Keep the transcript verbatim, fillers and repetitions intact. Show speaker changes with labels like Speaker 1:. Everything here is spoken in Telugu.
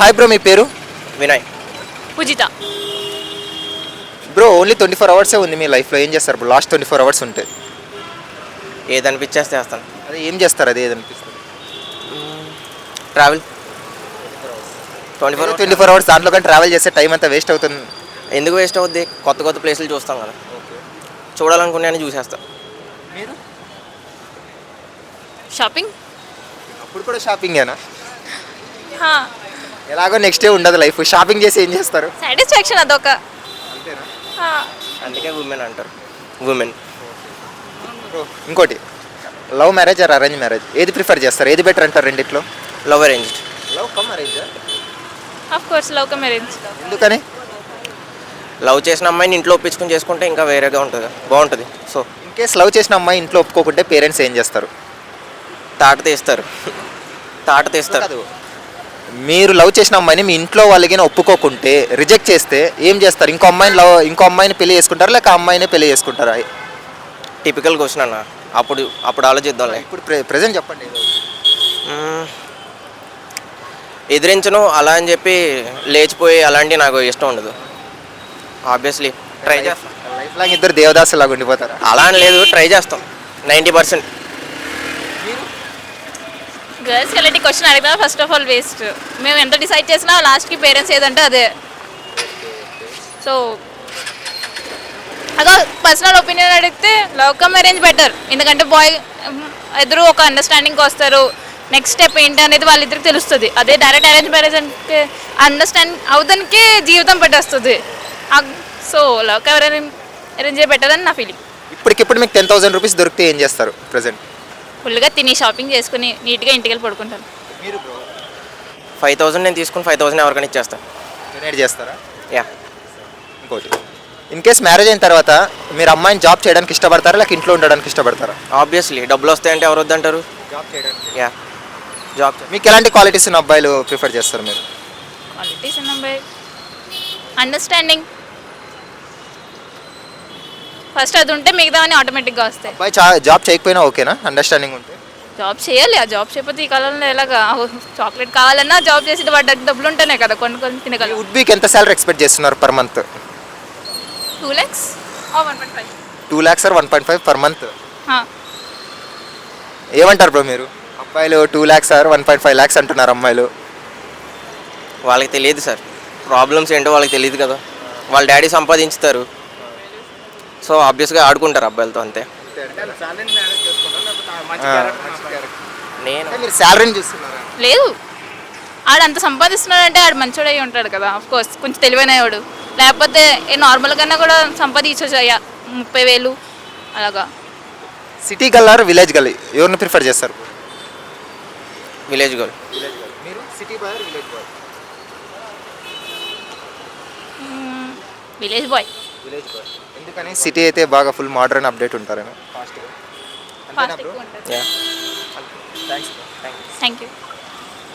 Speaker 1: హాయ్ బ్రో, మీ పేరు?
Speaker 2: Vinay.
Speaker 3: Poojitha.
Speaker 1: Bro, only twenty four అవర్సే ఉంది మీ లైఫ్లో, ఏం చేస్తారు bro last twenty four hours ఉంటే?
Speaker 2: ఏది అనిపించేస్తే వేస్తాను.
Speaker 1: అదే ఏం చేస్తారు, అదే ఏదనిపిస్తుంది?
Speaker 2: Travel twenty four
Speaker 1: twenty four hours దాంట్లో కానీ ట్రావెల్ చేస్తే టైం అంతా వేస్ట్ అవుతుంది.
Speaker 2: ఎందుకు వేస్ట్ అవుద్ది? కొత్త కొత్త ప్లేసులు చూస్తాం కదా, చూడాలనుకున్నాను చూసేస్తా.
Speaker 1: మీరు
Speaker 3: షాపింగ్.
Speaker 1: అప్పుడు కూడా షాపింగేనా?
Speaker 3: హా,
Speaker 1: ఎలాగో నెక్స్ట్ డే ఉండదు లైఫ్, షాపింగ్ చేసి ఏం చేస్తారు?
Speaker 3: సాటిస్ఫాక్షన్ అదొక.
Speaker 1: అంతేనా?
Speaker 3: హా.
Speaker 2: అందుకే ఉమెన్ అంటారు. ఉమెన్.
Speaker 1: బ్రో, ఇంకోటి, love marriage or arrange marriage, ఏది ప్రిఫర్ చేస్తారు, ఏది బెటర్ అంటారు రెండిట్లో?
Speaker 2: Love arranged.
Speaker 1: Love come arrange.
Speaker 3: Of course love come arrange.
Speaker 1: ఎందుకని?
Speaker 2: లవ్ చేసిన అమ్మాయిని ఇంట్లో ఒప్పించుకుని చేసుకుంటే ఇంకా వేరేగా ఉంటుంది, బాగుంటుంది. సో
Speaker 1: ఇన్ కేస్ లవ్ చేసిన అమ్మాయి ఇంట్లో ఒప్పుకోకుంటే పేరెంట్స్ ఏం చేస్తారు?
Speaker 2: తాట తీస్తారు. తాట తీస్తారు.
Speaker 1: కాదు, మీరు లవ్ చేసిన అమ్మాయిని మీ ఇంట్లో వాళ్ళకి ఒప్పుకోకుంటే, రిజెక్ట్ చేస్తే ఏం చేస్తారు? ఇంకో అమ్మాయిని లవ్ ఇంకో అమ్మాయిని పెళ్లి చేసుకుంటారా, లేక అమ్మాయిని పెళ్లి చేసుకుంటారా?
Speaker 2: టిపికల్ క్వశ్చన్ అన్న. అప్పుడు అప్పుడు ఆలోచిద్దాంలే.
Speaker 1: ఇప్పుడు ప్రె ప్రెజెంట్ చెప్పండి.
Speaker 2: మ్మ్. ఎదిరించను అలా అని చెప్పి లేచిపోయి అలాంటివి నాకు ఇష్టం ఉండదు. ఆబ్వియస్లీ ట్రై చేస్తాం.
Speaker 1: లైఫ్ లాంగ్ ఇద్దరు దేవదాసు లాగా ఉండిపోతారా?
Speaker 2: అలా అని లేదు, ట్రై చేస్తాం నైంటీ పర్సెంట్.
Speaker 3: గర్ల్స్కి అలాంటి క్వశ్చన్ అడిగినా ఫస్ట్ ఆఫ్ ఆల్ వేస్ట్. మేము ఎంత డిసైడ్ చేసినా లాస్ట్కి పేరెంట్స్ ఏదంటే అదే. సో అదో పర్సనల్ ఒపీనియన్ అడిగితే లవ్ కమ్ అరేంజ్ బెటర్. ఎందుకంటే బాయ్ ఇద్దరు ఒక అండర్స్టాండింగ్కి వస్తారు. నెక్స్ట్ స్టెప్ ఏంటి అనేది వాళ్ళిద్దరికి తెలుస్తుంది. అదే డైరెక్ట్ అరేంజ్ మ్యారేజ్ అంటే అండర్స్టాండ్ అవుతానికి జీవితం పట్టేస్తుంది. So love come arrange better అని నా ఫీలింగ్.
Speaker 1: ఇప్పటికిప్పుడు మీకు టెన్ థౌసండ్ రూపీస్ దొరికితే ఏం చేస్తారు ప్రెసెంట్?
Speaker 3: ఫుల్గా తిని షాపింగ్ చేసుకుని నీట్గా ఇంటికి వెళ్ళి పడుకుంటాను.
Speaker 1: మీరు బ్రో?
Speaker 2: ఫైవ్ థౌసండ్ నేను తీసుకుని ఫైవ్ థౌసండ్ ఎవరికైనా ఇచ్చేస్తాను.
Speaker 1: డొనేట్ చేస్తారా?
Speaker 2: యా.
Speaker 1: ఇంకోటి, ఇన్ కేస్ మ్యారేజ్ అయిన తర్వాత మీరు అమ్మాయిని జాబ్ చేయడానికి ఇష్టపడతారా, లేక ఇంట్లో ఉండడానికి ఇష్టపడతారా?
Speaker 2: ఆబ్వియస్లీ డబ్బులు వస్తాయంటే ఎవరు వద్దంటారు?
Speaker 1: జాబ్ చేయడానికి.
Speaker 2: Yeah, job.
Speaker 1: మీకు ఎలాంటి క్వాలిటీస్ ఉన్న అబ్బాయిలు ప్రిఫర్ చేస్తారు మీరు?
Speaker 3: క్వాలిటీస్ ఉన్నాయి, అండర్స్టాండింగ్ ఫస్ట్ అది ఉంటే మిగతావన్నీ ఆటోమేటిక్గా వస్తాయి.
Speaker 1: అబ్బాయి చా జాబ్ చేయకపోయినా ఓకేనా, అండర్స్టాండింగ్ ఉంటే?
Speaker 3: జాబ్ చేయాలి. ఆ జాబ్ చేయకపోతే ఈ కాలంలో ఎలాగా? చాక్లెట్ కావాలన్నా జాబ్ చేసి వాటి డబ్బులు ఉంటేనే కదా కొన్ని కొన్ని తినగలం.
Speaker 1: వుడ్ వీక్ ఎంత సాలరీ ఎక్స్పెక్ట్ చేస్తున్నారు per month?
Speaker 3: Two lakhs one point five.
Speaker 1: Two lakhs or one point five per month? ఏమంటారు బ్రో మీరు? అబ్బాయిలు two lakhs or one point five lakhs అంటున్నారు అమ్మాయిలు.
Speaker 2: వాళ్ళకి తెలియదు సార్, ప్రాబ్లమ్స్ ఏంటో వాళ్ళకి తెలియదు కదా. వాళ్ళ డాడీ సంపాదించుతారు, సో ఆబ్వియస్గా ఆడుకుంటారు అబ్బాయిలతో, అంతే. నేను
Speaker 1: మీరు శాలరీని చూస్తున్నారా?
Speaker 3: లేదు, ఆడు అంత సంపాదిస్తున్నాడంటే ఆడు మంచోడు అయి ఉంటాడు కదా. ఆఫ్ కోర్స్ కొంచెం తెలివైనవాడు. లేకపోతే ఏ నార్మల్ కన్నా కూడా సంపాదించవచ్చు అయ్యా ముప్పై వేలు అలాగా.
Speaker 1: సిటీ గల్ ఆర్ విలేజ్ గల్, ఎవరిని ప్రిఫర్ చేస్తారు?
Speaker 2: Village girl.
Speaker 1: మీరు city boy or village boy?
Speaker 3: Village boy.
Speaker 1: Village boy. ఎందుకని? సిటీ అయితే బాగా ఫుల్ మోడర్న్ అప్డేట్ ఉంటారేనా?
Speaker 3: ఫాస్ట్ ఎక్కువ ఉంటుంది.
Speaker 2: యా.
Speaker 1: థ్యాంక్స్.
Speaker 3: Thank you.